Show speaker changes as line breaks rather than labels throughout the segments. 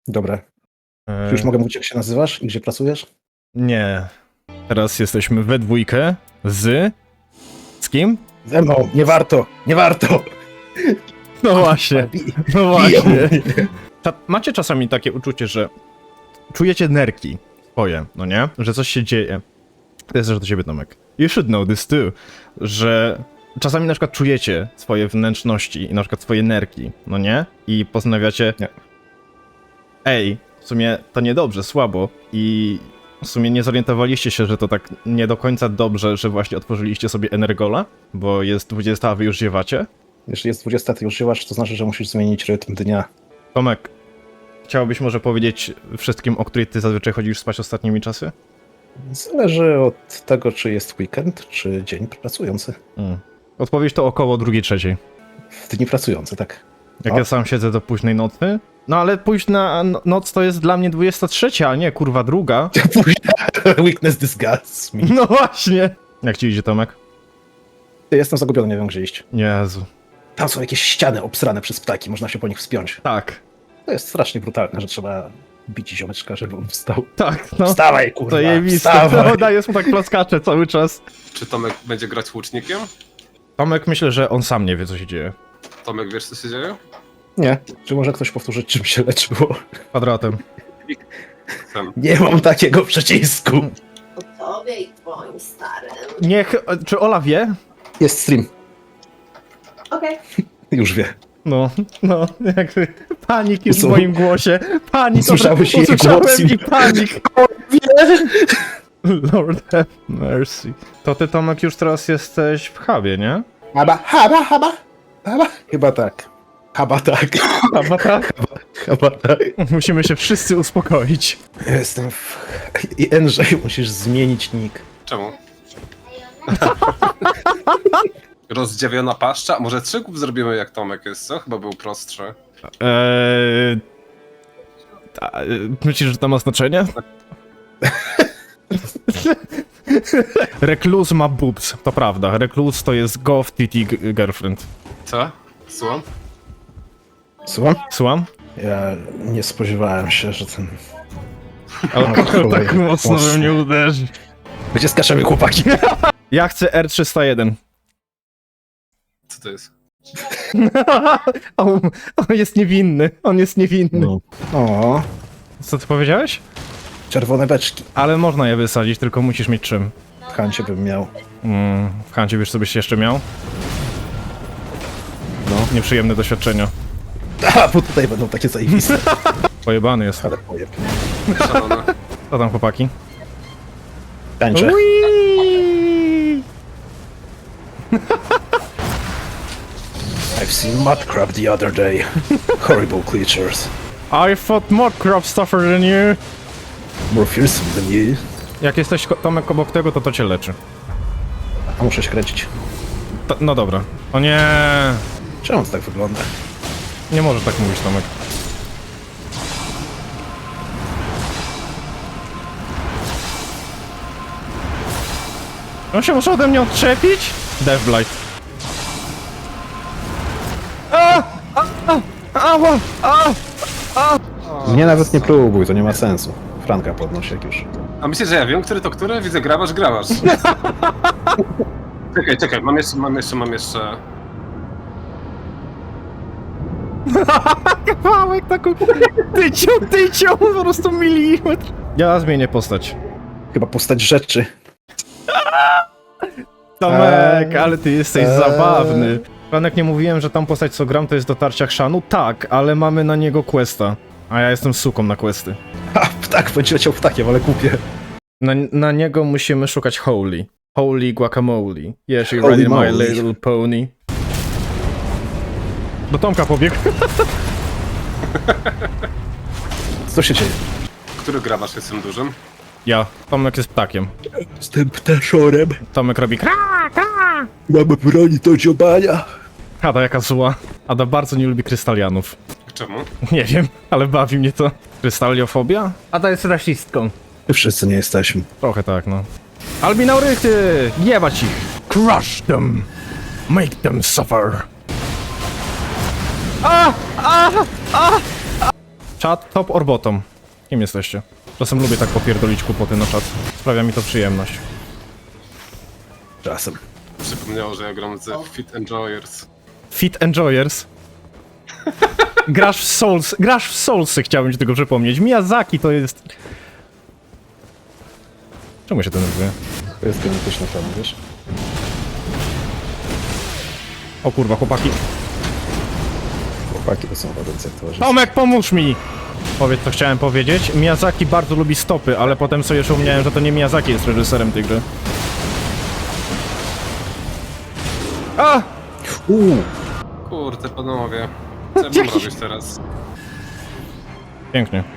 Dobra. Czy już mogę mówić, jak się nazywasz i gdzie pracujesz?
Nie. Teraz jesteśmy we dwójkę z... Z kim?
Ze mną! Nie warto! Nie warto!
No właśnie. No właśnie. Macie czasami takie uczucie, że czujecie nerki swoje, no nie? Że coś się dzieje. To jest też do ciebie, Tomek. You should know this too. Że czasami na przykład czujecie swoje wnętrzności i na przykład swoje nerki, no nie? I postanawiacie...
Nie.
Ej, w sumie to niedobrze, słabo i w sumie nie zorientowaliście się, że to tak nie do końca dobrze, że właśnie otworzyliście sobie Energola, bo jest 20, a wy już ziewacie?
Jeśli jest 20, ty już żyłaś, to znaczy, że musisz zmienić rytm dnia.
Tomek, chciałbyś może powiedzieć wszystkim, o której ty zazwyczaj chodzisz spać ostatnimi czasy?
Zależy od tego, czy jest weekend, czy dzień pracujący.
Odpowiedź to około 2:03.
W dni pracujący, tak.
Jak
O.
ja sam siedzę do późnej nocy? No ale późna noc to jest dla mnie 23, a nie kurwa druga.
Weakness disgusts me.
No właśnie. Jak ci idzie, Tomek?
Jestem zagubiony, nie wiem, gdzie iść.
Jezu.
Tam są jakieś ściany obsrane przez ptaki, można się po nich wspiąć.
Tak.
To jest strasznie brutalne, że trzeba bić ziomeczka, żeby on wstał.
Tak, no.
Wstawaj, kurwa,
To jebiste.
wstawaj!
No, dajesz mu tak plaskacze cały czas.
Czy Tomek będzie grać łucznikiem?
Tomek myślę, że on sam nie wie, co się dzieje.
Tomek, wiesz co się dzieje?
Nie. Czy może ktoś powtórzyć, czym się leczyło?
Kwadratem.
Ten.
Nie mam takiego przycisku.
O tobie i twoim starym.
Niech... Czy Ola wie?
Jest stream.
Okej.
Już wie.
No, jakby panik jest w
Co?
moim głosie. Panik,
Usłyszałeś jej
usłyszałem
głos i-
i panik. Lord have mercy. To ty, Tomek, już teraz jesteś w hubie, nie?
Haba. Chyba tak. Chyba tak.
Chyba tak?
Chyba tak.
Musimy się wszyscy uspokoić.
Jestem w... I Andrzej, musisz zmienić nick.
Czemu? Rozdziawiona paszcza? Może 3 kół zrobimy jak Tomek jest, co? Chyba był prostszy.
Myślisz, że to ma znaczenie? Rekluz ma boobs, to prawda. Rekluz to jest goth TT girlfriend.
Co? Słucham?
Słucham?
Słucham?
Ja nie spodziewałem się, że ten...
Ale
cholera,
tak mocno we mnie uderzy.
Gdzie skaczemy, chłopaki?
Ja chcę R301.
Co to jest?
On jest niewinny, on jest niewinny.
O,
Co ty powiedziałeś?
czerwone beczki.
Ale można je wysadzić, tylko musisz mieć czym.
W Hancie bym miał.
W Hancie wiesz, co byś jeszcze miał? No, nieprzyjemne doświadczenia.
A, bo tutaj będą takie zajebiste.
Pojebany jest.
Ale pojeb.
Szalone.
Co tam, chłopaki?
Tańczę.
Uiii!
I've seen mudcrab the other day. Horrible creatures.
I thought more crop tougher than you.
More fearsome than you.
Jak jesteś, Tomek, obok tego, to cię leczy.
A muszę się kręcić.
No dobra. O nie,
Czemu to tak wygląda?
nie możesz tak mówić, Tomek. On się może ode mnie odczepić? Deathblight.
Mnie nawet nie próbuj, to nie ma sensu. Franka podnosi jak już.
A myślisz, że ja wiem, który to który? Widzę, grabasz. Czekaj, mam jeszcze...
Kawałek taką tycią, po prostu milimetr. Ja zmienię postać.
Chyba postać rzeczy.
Tomek, ale ty jesteś zabawny. Franek, nie mówiłem, że tam postać co gram to jest dotarcia chrzanu? Tak, ale mamy na niego questa. A ja jestem suką na questy.
A, ptak, będzie leciał ptakiem, ale kupię.
Na niego musimy szukać Holy. Holy guacamole. Yes, you're
Holy
ready, my
moly.
little pony. Do Tomka pobiegł.
Co się dzieje?
Który grabasz jest tym dużym?
Ja. Tomek jest ptakiem.
Jestem ptaszorem.
Tomek robi kra.
Mamy broni do dziobania.
Ada jaka zła. Ada bardzo nie lubi krystalianów.
Czemu?
Nie wiem, ale bawi mnie to. Krystaliofobia? Ada jest rasistką.
Wszyscy nie jesteśmy.
Trochę tak, no. Albinaurychy! Jebać ich! Crush them! Make them suffer! Czat, top or bottom? Kim jesteście? Czasem lubię tak popierdolić kłopoty na czat. Sprawia mi to przyjemność.
Czasem.
Przypomniało, że ja gram z Fit Enjoyers.
Fit Enjoyers. Grasz w Soulsy, chciałbym ci tego przypomnieć. Miyazaki to jest... Czemu się denerwuje?
To jest genetyczny plan, wiesz?
O kurwa, chłopaki.
Chłopaki to są wadące towarzystwo.
Tomek, pomóż mi! Powiedz, co chciałem powiedzieć. Miyazaki bardzo lubi stopy, ale potem sobie jeszcze upomniałem, że to nie Miyazaki jest reżyserem tej gry. A!
Kurde, panowie. Co ja mam robić teraz?
Pięknie.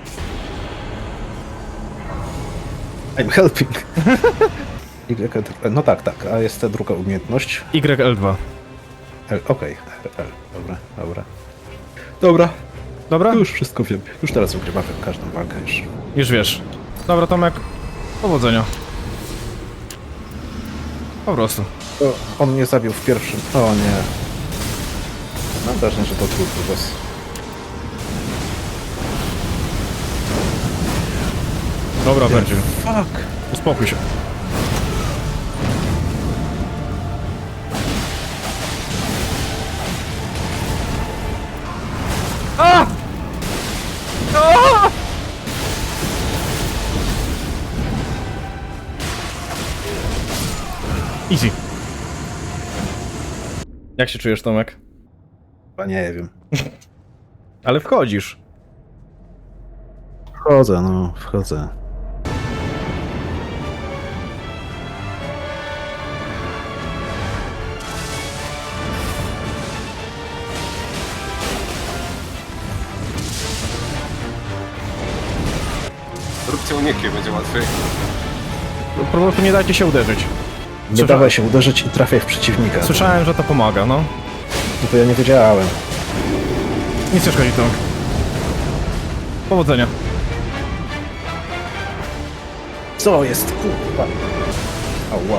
I'm helping. No tak, a jest ta druga umiejętność.
YL2.
Okej, L. Dobra. Dobra,
Dobra?
już wszystko wiem. Już teraz ugrywamy każdą walkę już.
Już wiesz. Dobra, Tomek. Powodzenia. Po prostu.
On mnie zabił w pierwszym. O nie. Mam wrażenie, że to trudny boss.
Dobra, Virgil.
Fuck!
Uspokój się. A! A! Easy. Jak się czujesz, Tomek?
Chyba nie wiem.
Ale wchodzisz.
Wchodzę.
Róbcie uniki, będzie łatwiej.
Po prostu nie dajcie się uderzyć.
Nie dawaj się uderzyć i trafiaj w przeciwnika.
Słyszałem, że to pomaga, no.
No to ja nie wiedziałem.
Nic nie szkodzi, Tomek. Powodzenia.
Co jest? Kurwa. Ała.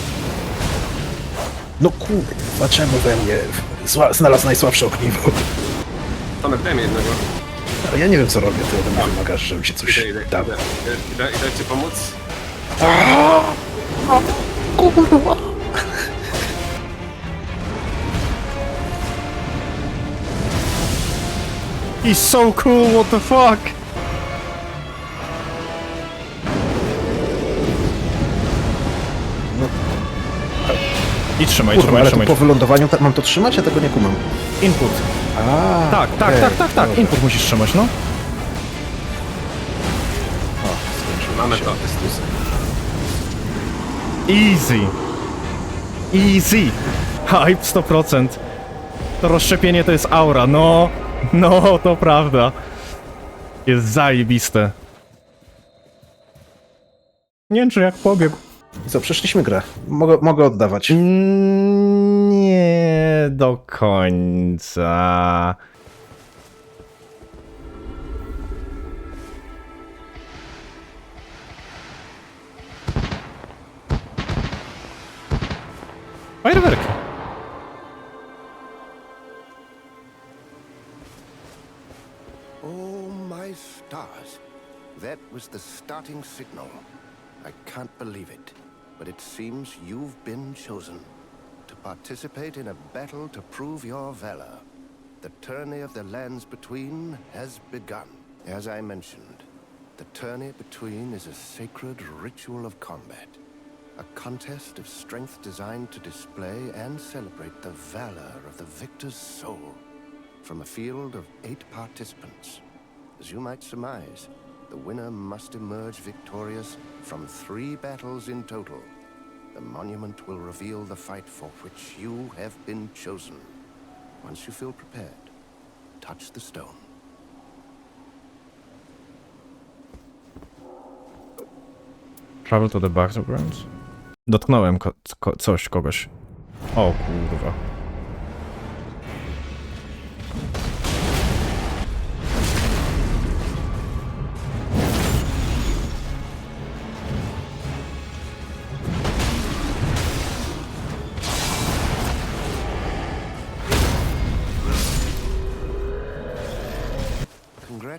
No kurwa, czemu we mnie znalazł najsłabsze ogniwo?
Tomek, daj mi jednego.
Ale ja nie wiem co robię, ty ode mnie wymagasz, żebym ci coś
Idę
dał.
ci pomóc?
Kurwa.
He's so cool, what the fuck? I trzymaj,
Kurwa, ale to
trzymaj.
po wylądowaniu mam to trzymać? Ja tego nie kumam.
Input.
A,
Tak.
dobra.
Input musisz trzymać, no.
Mamy to.
Easy. Easy. Hype 100%. To rozszczepienie to jest aura, no. No, to prawda. Jest zajebiste. Nie wiem, czy jak pobiegł.
I co, przeszliśmy grę. Mogę oddawać.
Nie do końca. Fajerwerki.
Oh, my stars. That was the starting signal. I can't believe it, but it seems you've been chosen to participate in a battle to prove your valor. The tourney of the lands between has begun. As I mentioned, the tourney between is a sacred ritual of combat. A contest of strength designed to display and celebrate the valor of the victor's soul. From a field of 8 participants, as you might surmise, the winner must emerge victorious from 3 battles in total. The monument will reveal the fight for which you have been chosen. Once you feel prepared, touch the stone.
Travel to the battlegrounds? Dotknąłem kogoś. O kurwa.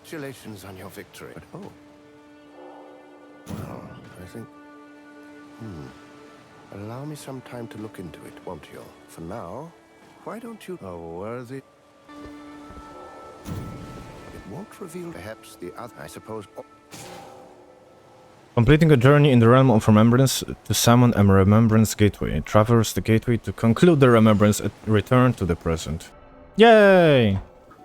Congratulations on your victory. But, oh. Well, I think... Allow me some time to look into it, won't you? For now, why don't you... A worthy... It won't reveal perhaps the other... I suppose... Oh.
Completing a journey in the realm of remembrance to summon a remembrance gateway. Traverse the gateway to conclude the remembrance and return to the present. Yay!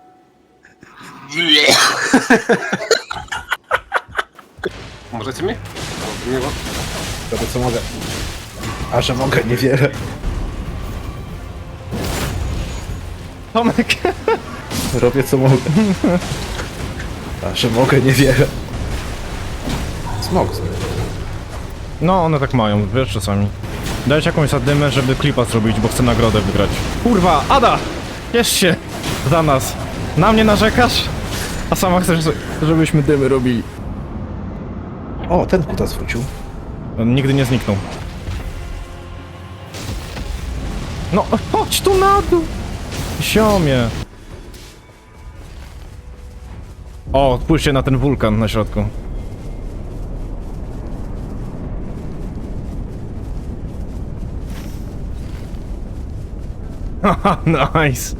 Możecie mi? Nie,
Robię co mogę. A że mogę, niewiele.
Tomek!
Robię co mogę. A że mogę, niewiele. Smok.
No, one tak mają, wiesz, czasami. Dajcie jakąś zadymę, żeby klipa zrobić, bo chcę nagrodę wygrać. Kurwa, Ada! Ciesz się! Za nas. Na mnie narzekasz? A sama chcesz, żebyśmy dymy robili.
O, ten kutas wrócił.
On nigdy nie zniknął. No, chodź tu na dół! Siomie. O, spójrzcie na ten wulkan na środku. Haha, nice.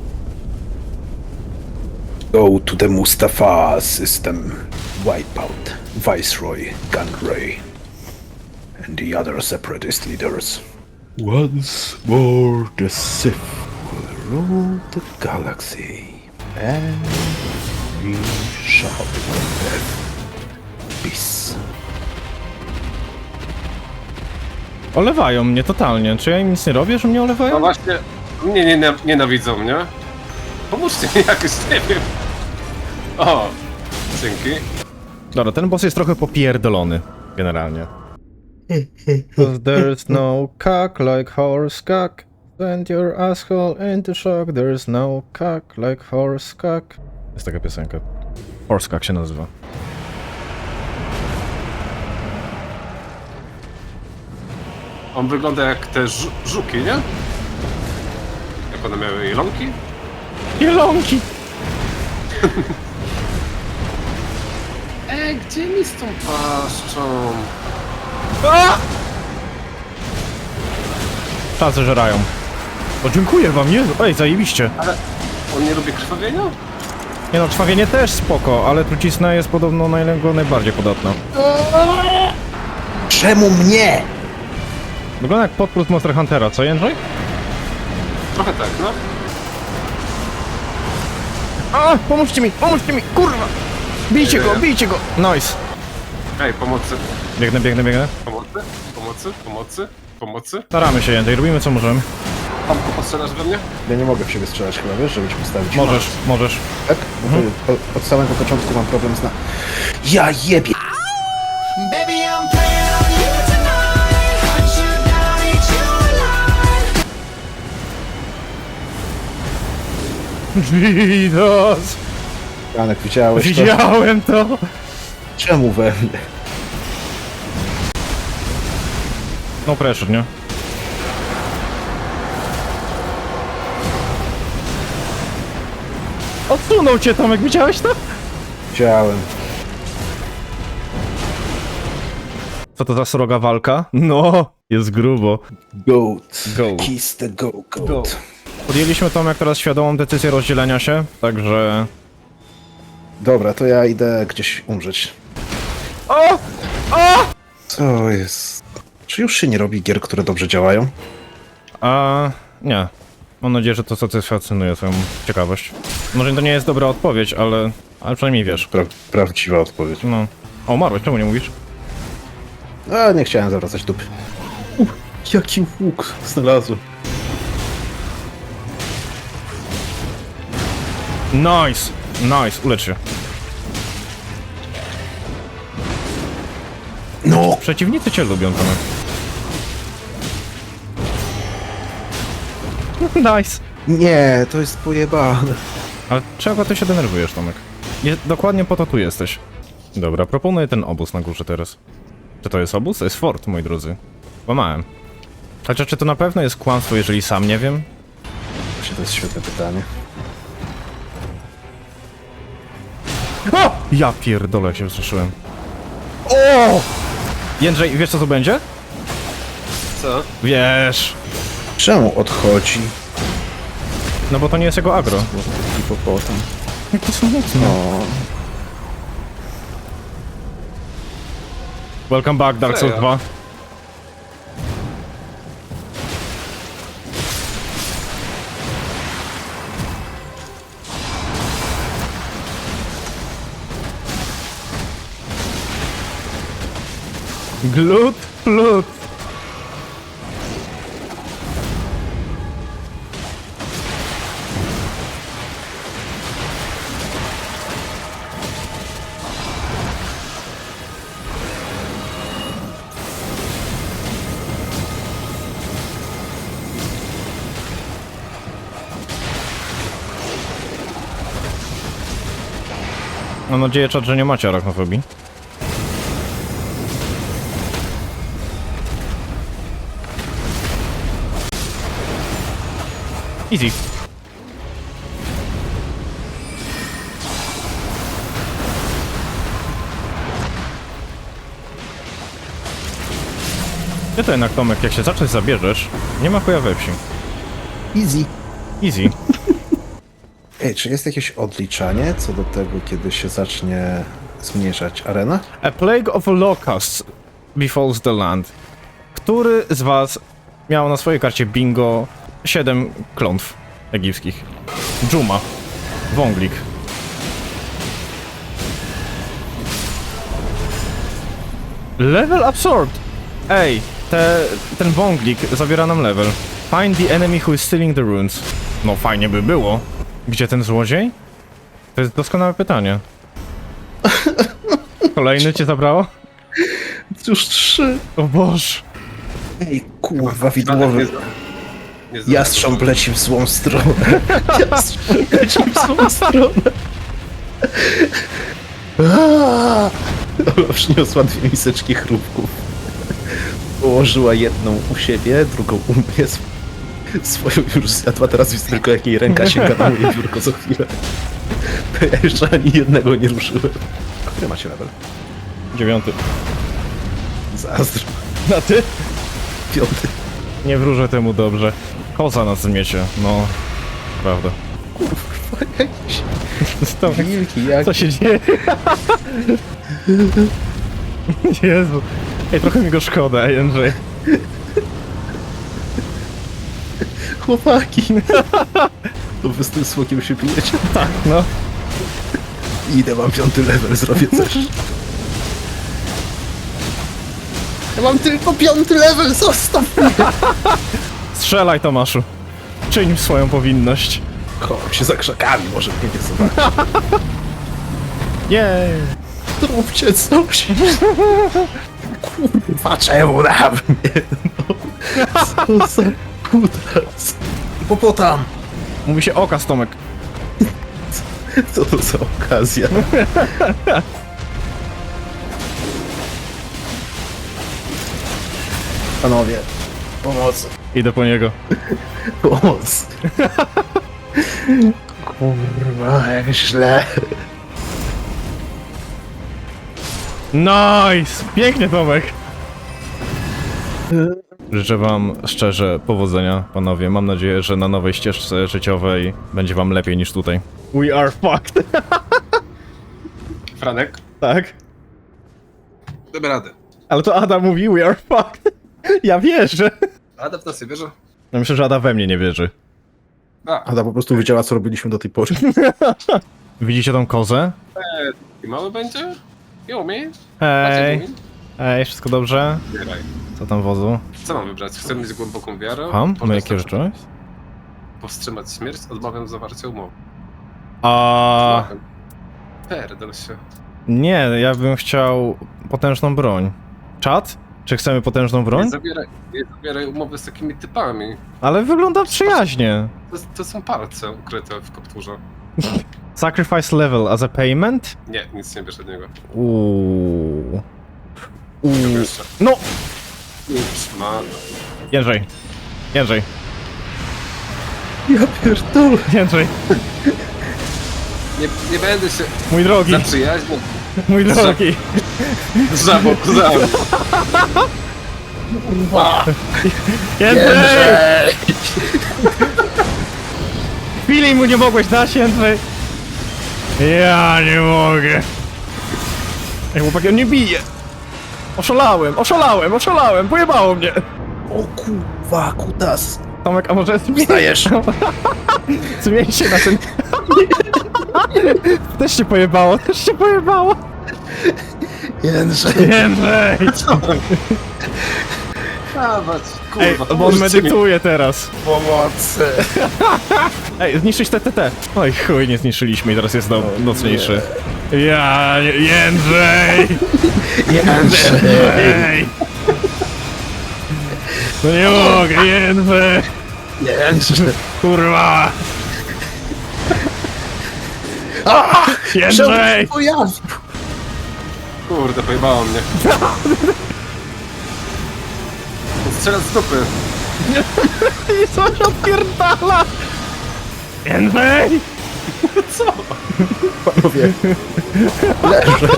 Go to the Mustafa system. Wipeout, Viceroy, Gunray, and the other separatist leaders. Once more the Sith will rule the galaxy, and we shall have peace.
Olewają mnie totalnie. Czy ja im nic nie robię, że mnie
no
olewają?
właśnie, nienawidzą mnie. Pomóżcie mi jakoś, nie wiem. O, dzięki.
Dobra, ten boss jest trochę popierdolony, generalnie. Cause there's no cock like horse cock. Send your asshole into shock. There's no cock like horse cock. Jest taka piosenka. Horse cock się nazywa.
On wygląda jak te żuki, nie? Jak one miały jelonki?
Jelonki!
Gdzie mi z tą paszczą?
Czasy żerają. O, dziękuję wam, nie? Ej, zajebiście.
Ale on nie lubi krwawienia?
Nie no, krwawienie też spoko, ale trucizna jest podobno najbardziej podatna.
Czemu mnie?
Wygląda jak podprót Monster Huntera, co Jędrzej?
Trochę tak, no.
A, pomóżcie mi, kurwa! Bijcie go, bijcie go! Nice.
Ej, pomocy,
Biegnę.
pomocy.
Staramy się, Jędrzej, robimy co możemy.
Tomku, postrzelasz we mnie?
Ja nie mogę w siebie strzelać chyba, wiesz, żeby cię postawić.
Możesz.
Tak? Bo to od samego początku mam problem z Ja jebie!
Baby, I'm playing on you tonight. Hunt you down, eat you alive.
Jesus!
Janek, widziałeś to?
Widziałem to!
Czemu we mnie?
No pressure, nie? Odsunął cię, Tomek, widziałeś to?
Widziałem.
Co to za sroga walka? No, jest grubo.
Goat.
Goat.
Kiss the goat.
Podjęliśmy, Tomek, teraz świadomą decyzję rozdzielenia się, także...
Dobra, to ja idę gdzieś umrzeć.
O!
Co jest? Czy już się nie robi gier, które dobrze działają?
Nie. Mam nadzieję, że to satysfakcjonuje twoją ciekawość. Może to nie jest dobra odpowiedź, ale przynajmniej wiesz.
Prawdziwa odpowiedź.
No. O, umarłeś, czemu nie mówisz?
A, nie chciałem zawracać dupy. Jaki łuk znalazłem.
Nice! Nice, ulecz się.
No!
Przeciwnicy cię lubią, Tomek. Nice!
Nie, to jest pojebane.
Ale czego ty się denerwujesz, Tomek? Dokładnie po to tu jesteś. Dobra, proponuję ten obóz na górze teraz. Czy to jest obóz? To jest fort, moi drodzy. Łamałem. Chociaż czy to na pewno jest kłamstwo, jeżeli sam nie wiem?
Właśnie to jest świetne pytanie.
O! Ja pierdolę, jak się wzruszyłem. O! Jędrzej, wiesz co to będzie?
Co?
Wiesz.
Czemu odchodzi?
No bo to nie jest jego agro.
Hipopotam.
Jakie smutne.
No.
Welcome back, Dark Souls 2. Glut, plut. Mam nadzieję, czat, że nie macie arachnofobii. Easy. Ty to jednak, Tomek, jak się za coś zabierzesz, nie ma chuja we wsi.
Easy.
Easy.
Ej, czy jest jakieś odliczanie co do tego, kiedy się zacznie zmniejszać arena?
A plague of locusts befalls the land. Który z was miał na swojej karcie bingo 7 klątw egipskich? Dżuma. Wąglik. Level absorbed! Ej, ten wąglik zabiera nam level. Find the enemy who is stealing the runes. No fajnie by było. Gdzie ten złodziej? To jest doskonałe pytanie. Kolejny cię zabrało?
Już 3.
O Boże.
Ej, kurwa,
Franek
widłowy.
nie
Jastrząb leci w złą stronę. Jastrząb leci w złą stronę. Ola przyniosła 2 miseczki chrupków. Położyła jedną u siebie, drugą u mnie. Swoją już zjadła, teraz widzę tylko jak jej ręka sięga na moje biurko co chwilę. To ja jeszcze ani jednego nie ruszyłem. A który macie level?
9.
Zazdro.
A ty?
5.
Nie wróżę temu dobrze. Koza nas zmiecie, no. Prawda.
Kurwa, jakieś
Tomek,
wilki, jak...
co się dzieje? Jezu. Ej, trochę mi go szkoda, Jędrzej.
Chłopaki. To wy z tym smokiem się pijecie?
Tak, no.
Idę, mam 5. level, zrobię coś. Ja mam tylko 5. level, zostaw mnie!
Strzelaj, Tomaszu. Czyń swoją powinność.
Chowam się za krzakami, może mnie nie zobaczy.
Jej.
Zróbcie coś! Kurwa, czemu na mnie? No, co za kutras. Hipopotam!
Mówi się okaz, Tomek.
Co to za okazja? Panowie, pomocy.
Idę po niego.
Pomoc. Kurwa, jak źle.
Nice! Pięknie, Tomek. Życzę wam szczerze powodzenia, panowie. Mam nadzieję, że na nowej ścieżce życiowej będzie wam lepiej niż tutaj. We are fucked.
Franek,
Tak?
damy radę.
Ale to Ada mówi we are fucked. Ja wierzę.
Ada w nas nie wierzy?
Ja myślę, że Ada we mnie nie wierzy.
Ada po prostu wiedziała, co robiliśmy do tej pory.
Widzicie tą kozę?
I mały będzie? I umie?
Hej. Hej, wszystko dobrze?
Zbieraj.
Co tam wozu?
Co mam wybrać? Chcę mieć głęboką wiarę?
Mam?
Poczekaj,
Mamy jakie rzeczy?
Powstrzymać śmierć? Odmawiam zawarcia umowy.
A
Pierdol się.
nie, ja bym chciał potężną broń. Czad? Czy chcemy potężną broń?
Nie zawieraj umowy z takimi typami.
Ale wygląda przyjaźnie.
To są palce ukryte w kapturze.
Sacrifice level as a payment?
Nie, nic nie bierz od niego.
Uuu.
Jeszcze.
No!
Już ma...
Jędrzej. Jędrzej.
Ja pierdolę.
Jędrzej.
Nie będę się
Mój drogi,
zaprzyjaźnił
mój drogi.
z żabokuzami.
Jędrzej! Chwili mu nie mogłeś dać, Jędrzej. Ja nie mogę. Ej, chłopaki, on nie bije. Oszalałem, pojebało mnie.
O kurwa, kutas.
Tomek, a może
Wstajesz.
zmień się na ten... Też się pojebało.
Jędrzej.
Jędrzej!
Dawać,
Ej,
kurwa,
bo on medytuje teraz.
Pomocy.
Ej, zniszczyć TTT. Oj chuj, nie zniszczyliśmy i teraz jest nocniejszy. Jędrzej! Ej! No nie mogę, Jędrzej!
Jędrzej.
Kurwa! Jędrzej!
Kurde, pojebało mnie. Strzela z dupy.
I coś odpierdala! Jędrzej!
Panowie. Leżę.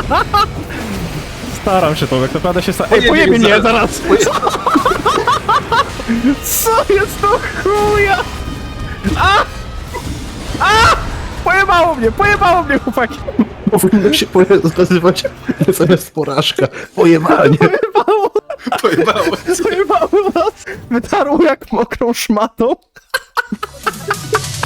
Staram się, Tomek, naprawdę się staram. Ej,
Pojebie
pojebie mnie
zaraz.
zaraz! Co jest to chuja? Pojebało mnie, chłopaki!
Powinno się nazywać zamiast porażka. Pojebanie.
Pojebało nas! Wytarło jak mokrą szmatą.